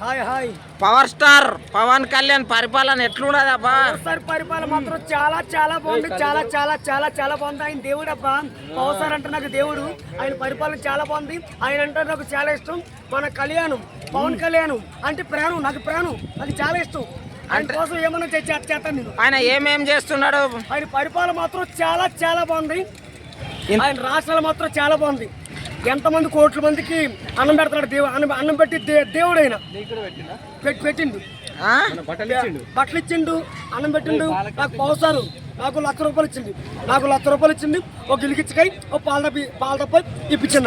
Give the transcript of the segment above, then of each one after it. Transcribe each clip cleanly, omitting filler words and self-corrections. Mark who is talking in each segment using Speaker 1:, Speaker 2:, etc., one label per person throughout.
Speaker 1: Hi hi.
Speaker 2: Power star Pawan Kalyan పరిపాలన ఎట్లున్నది అబ్బా?
Speaker 1: పవర్ పరిపాలన మాత్రం చాలా చాలా బాగుంది. చాలా చాలా చాలా చాలా బాగుంది. ఆయన దేవుడు అబ్బా. పవర్ స్టార్ అంటే నాకు దేవుడు. ఆయన పరిపాలన చాలా బాగుంది. ఆయన అంటే నాకు చాలా ఇష్టం. మన కళ్యాణం పవన్ కళ్యాణ్ అంటే ప్రాణం, నాకు ప్రాణం, నాకు చాలా ఇష్టం. ఆయన కోసం ఏమన్నా చేస్తాను నేను.
Speaker 2: ఆయన ఏమేం చేస్తున్నాడు?
Speaker 1: ఆయన పరిపాలన మాత్రం చాలా చాలా బాగుంది. ఆయన రాష్ట్రాలు మాత్రం చాలా బాగుంది. ఎంతమంది కోట్ల మందికి అన్నం పెడతాడు దేవుడు. అన్నం పెట్టి దేవుడు ఆయన పెట్టిండు, బట్టలు ఇచ్చిండు, అన్నం పెట్టిండు. నాకు పవసారు నాకు ₹1,00,000 ఇచ్చింది. నాకు ₹1,00,000 ఇచ్చింది. ఒక గిలికిచ్చకాయ, ఒక పాల డబ్బా ఇప్పించింది.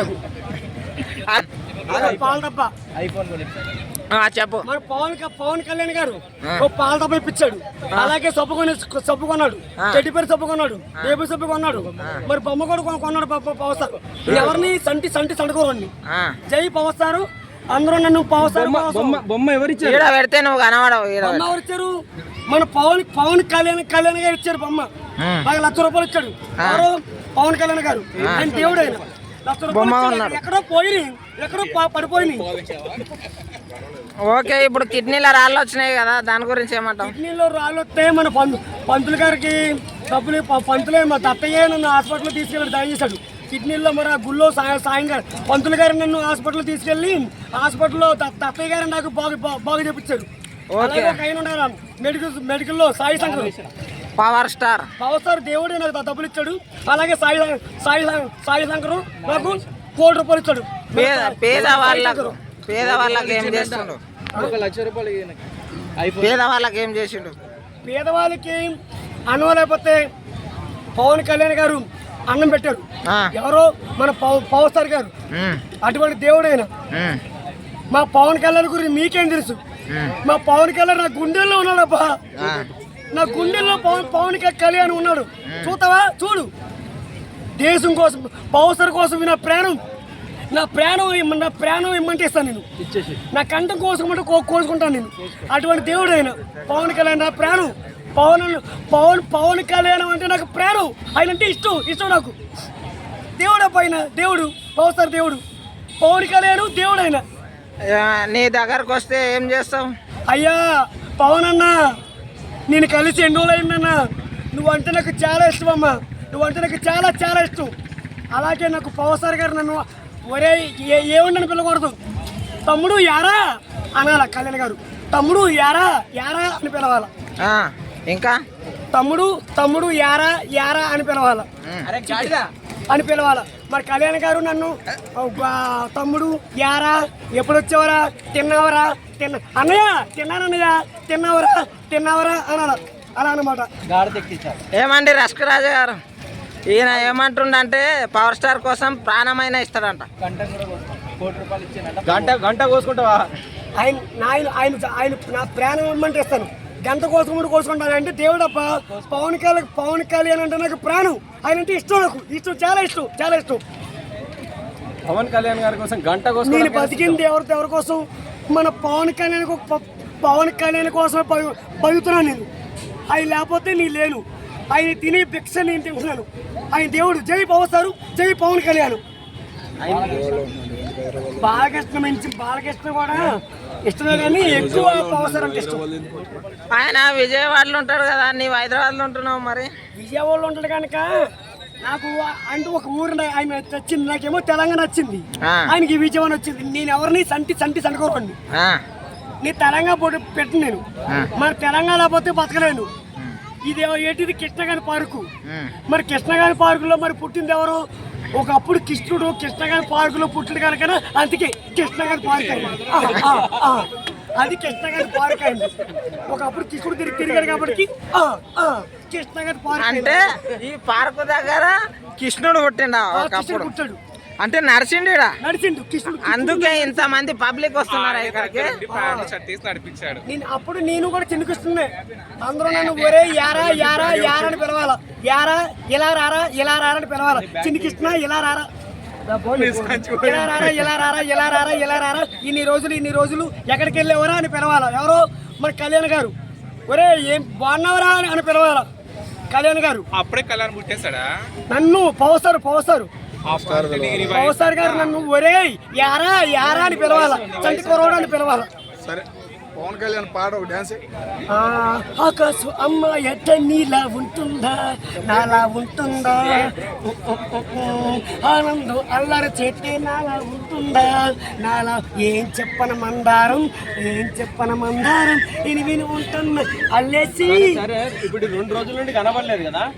Speaker 1: నాకు పాల డబ్బా
Speaker 2: చెప్పు.
Speaker 1: మన పవన్ కళ్యాణ్ గారు ఒక పాల డబ్బా ఇప్పించాడు. అలాగే సబ్బు కొన్నాడు, చెడ్డి పేరు సబ్బు కొన్నాడు, బేబీ సబ్బు కొన్నాడు. మరి బొమ్మ కూడా కొన్నాడు పవర్ స్టార్. ఎవరిని సంటి సండుకోరండి. జై పవర్ స్టార్. అందరూ నన్ను పవర్ స్టార్
Speaker 3: బొమ్మ ఎవరిచ్చారు?
Speaker 2: పెడితే నువ్వు కనబడవు.
Speaker 1: బొమ్మ ఎవరిచ్చారు? మన పవన్ కళ్యాణ్ గారు ఇచ్చారు బొమ్మ. నాకు ₹1,00,000 ఇచ్చాడు. ఎవరు? పవన్ కళ్యాణ్ గారు. ఆయన దేవుడు. ఆయన ₹1,00,000 ఎక్కడో పోయి, ఎక్కడో పడిపోయినాయి.
Speaker 2: ఓకే, ఇప్పుడు కిడ్నీలో రాళ్ళు వచ్చినాయి కదా, దాని గురించి ఏమంటావు?
Speaker 1: కిడ్నీలో రాళ్ళు వస్తే మన పంతులు గారికి డబ్బులు పంతులే మా దత్తయ్య నన్ను హాస్పిటల్లో తీసుకెళ్ళి దయచేశాడు. కిడ్నీలో మరి గుళ్ళో సాయంగా పంతులు గారు నన్ను హాస్పిటల్లో తీసుకెళ్ళి హాస్పిటల్లో దత్తయ్య గారు నాకు బాగా చెప్పించాడు. మెడికల్లో సాయి శంకర్
Speaker 2: పవర్ స్టార్
Speaker 1: దేవుడు నాకు డబ్బులు ఇచ్చాడు. అలాగే సాయి శంకర్ నాకు ₹1,00,000 ఇచ్చాడు.
Speaker 2: పేదవాళ్ళకి ఏం చేస్తుండు? పేదవాళ్ళకి ఏం చేసిండు?
Speaker 1: పేదవాళ్ళకి అన్నం లేకపోతే పవన్ కళ్యాణ్ గారు అన్నం పెట్టారు. ఎవరో మన పవర్ స్టార్ గారు. అటువంటి దేవుడు ఆయన. మా పవన్ కళ్యాణ్ గురించి మీకేం తెలుసు? మా పవన్ కళ్యాణ్ నా గుండెల్లో ఉన్నాడబ్బా. నా గుండెల్లో పవన్ కళ్యాణ్ ఉన్నాడు. చూస్తావా? చూడు. దేశం కోసం, పవర్ స్టార్ కోసం నా ప్రాణం ఇమ్మంటే ఇస్తాను నేను. నా కంఠం కోసుకుంటే కోసుకుంటాను నేను. అటువంటి దేవుడు ఆయన పవన్ కళ్యాణ్. నా ప్రాణం పవన్ కళ్యాణ్ అంటే నాకు ప్రాణం. ఆయన అంటే ఇష్టం నాకు. దేవుడు పైన దేవుడు, పవర్ స్టార్ దేవుడు, పవన్ కళ్యాణ్ దేవుడు. ఆయన
Speaker 2: నీ దగ్గరకు వస్తే ఏం చేస్తావు?
Speaker 1: అయ్యా పవన్ అన్న, నేను కలిసి ఎన్ని రోజులు అయిందన్నా. నువ్వంటే నాకు చాలా ఇష్టం అమ్మా. నువ్వంటే నాకు చాలా చాలా ఇష్టం. అలాగే నాకు పవర్ స్టార్ గారు నన్ను ఒరే ఏముండని పిలవకూడదు. తమ్ముడు యారా అనాల. కళ్యాణ్ గారు తమ్ముడు యారా అని పిలవాల.
Speaker 2: ఇంకా
Speaker 1: తమ్ముడు యారా అని పిలవాల. మరి కళ్యాణ్ గారు నన్ను తమ్ముడు యారా, ఎప్పుడు వచ్చేవరా, తిన్నావరా, అన్నయ్య తిన్నానన్నయ్య, తిన్నావరా అనాల. అలా అనమాట.
Speaker 2: ఏమండి రస్కరాజు గారు, ఈయన ఏమంటుండంటే పవర్ స్టార్ కోసం ప్రాణమైన ఇస్తాడంట.
Speaker 3: గంట కోసుకుంటావా?
Speaker 1: ఆయన నా ప్రాణం ఇమ్మంటే ఇస్తాను. గంట కోసుకుంటాను అంటే దేవుడప్ప. పవన్ కళ్యాణ్ అంటే నాకు ప్రాణం. ఆయన అంటే ఇష్టం, నాకు ఇష్టం, చాలా ఇష్టం.
Speaker 3: పవన్ కళ్యాణ్ గారి కోసం గంట కోసం
Speaker 1: నేను బతికింది ఎవరి కోసం? మన పవన్ కళ్యాణ్ కోసమే బతుకుతున్నాను నేను. ఆయన లేకపోతే నీ లేను. ఆయన తినే భిక్ష నేను తింటున్నాను. ఆయన దేవుడు. జై పవర్ స్టార్, జై పవన్ కళ్యాణ్. బాలకృష్ణ కూడా ఇష్టమే, కానీ ఎక్కువ పవర్ స్టార్ అంటే ఇష్టం.
Speaker 2: ఆయన విజయవాడలో ఉంటాడు కదా, నీవు హైదరాబాద్లో ఉంటున్నావు. మరి
Speaker 1: విజయవాడలో ఉంటాడు కనుక నాకు అంటే ఒక ఊరు ఆయన నచ్చింది. నాకేమో తెలంగాణ నచ్చింది, ఆయనకి విజయవాడ వచ్చింది. నేను ఎవరిని సండుకోరండి. నీ తెలంగాణ పెట్టు నేను. మన తెలంగాణ పోతే బతకలేను. ఇది ఏంటిది? కృష్ణగారి పార్కు. మరి కృష్ణగారి పార్కులో మరి పుట్టింది ఎవరు? ఒకప్పుడు కృష్ణుడు కృష్ణగారి పార్కులో పుట్టింది కనుక అందుకే కృష్ణగారి పార్క్ అయింది. అది కృష్ణగారి పార్క్ అయింది. ఒకప్పుడు కృష్ణుడు తిరిగాడు కాబట్టి కృష్ణగారి పార్క్.
Speaker 2: అంటే ఈ పార్కు దగ్గర కృష్ణుడు పుట్టాడు. అంటే నడిచిండు కృష్ణుడు. అందుకే ఇంత మంది పబ్లిక్ వస్తున్నారు ఇక్కడికి.
Speaker 1: నేను కూడా చిన్నకిస్తున్నా. అందరూ నన్ను ఒరే యారా అని పిలవాలా. యారా ఇలా రారా అని పిలవాలా. చిన్నకిస్తున్నా ఇలా రారా, ఇలా రారా. ఇన్ని రోజులు ఎక్కడికి వెళ్ళేవరా అని పిలవాలా. ఎవరో మన కళ్యాణ్ గారు. ఒరే ఏం బాగున్నావరా అని పిలవాలా. కళ్యాణ్ గారు
Speaker 4: అప్పుడే కళ్యాణ్ పుట్టేశాడా?
Speaker 1: నన్ను పవర్ స్టార్ పవర్ స్టార్ గారు నన్ను ఒరే యారా అని పిలవాలా. చంటి కురవాడు అని పిలవాలా.
Speaker 4: సరే పవన్ కళ్యాణ్ పాట ఒక డాన్స్
Speaker 1: ఆకాశం అమ్మ ఎట్ట నీలా ఉంటుందా నాలా ఉంటుందా ఆనందం అల్లరి చేస్తే నాలా ఉంటుందా నాలా ఏం చెప్పన మందారం విని విని ఉంటున్నా అల్లేసి
Speaker 3: సరే ఇప్పుడు 2 రోజుల నుండి కనబడలేదు కదా.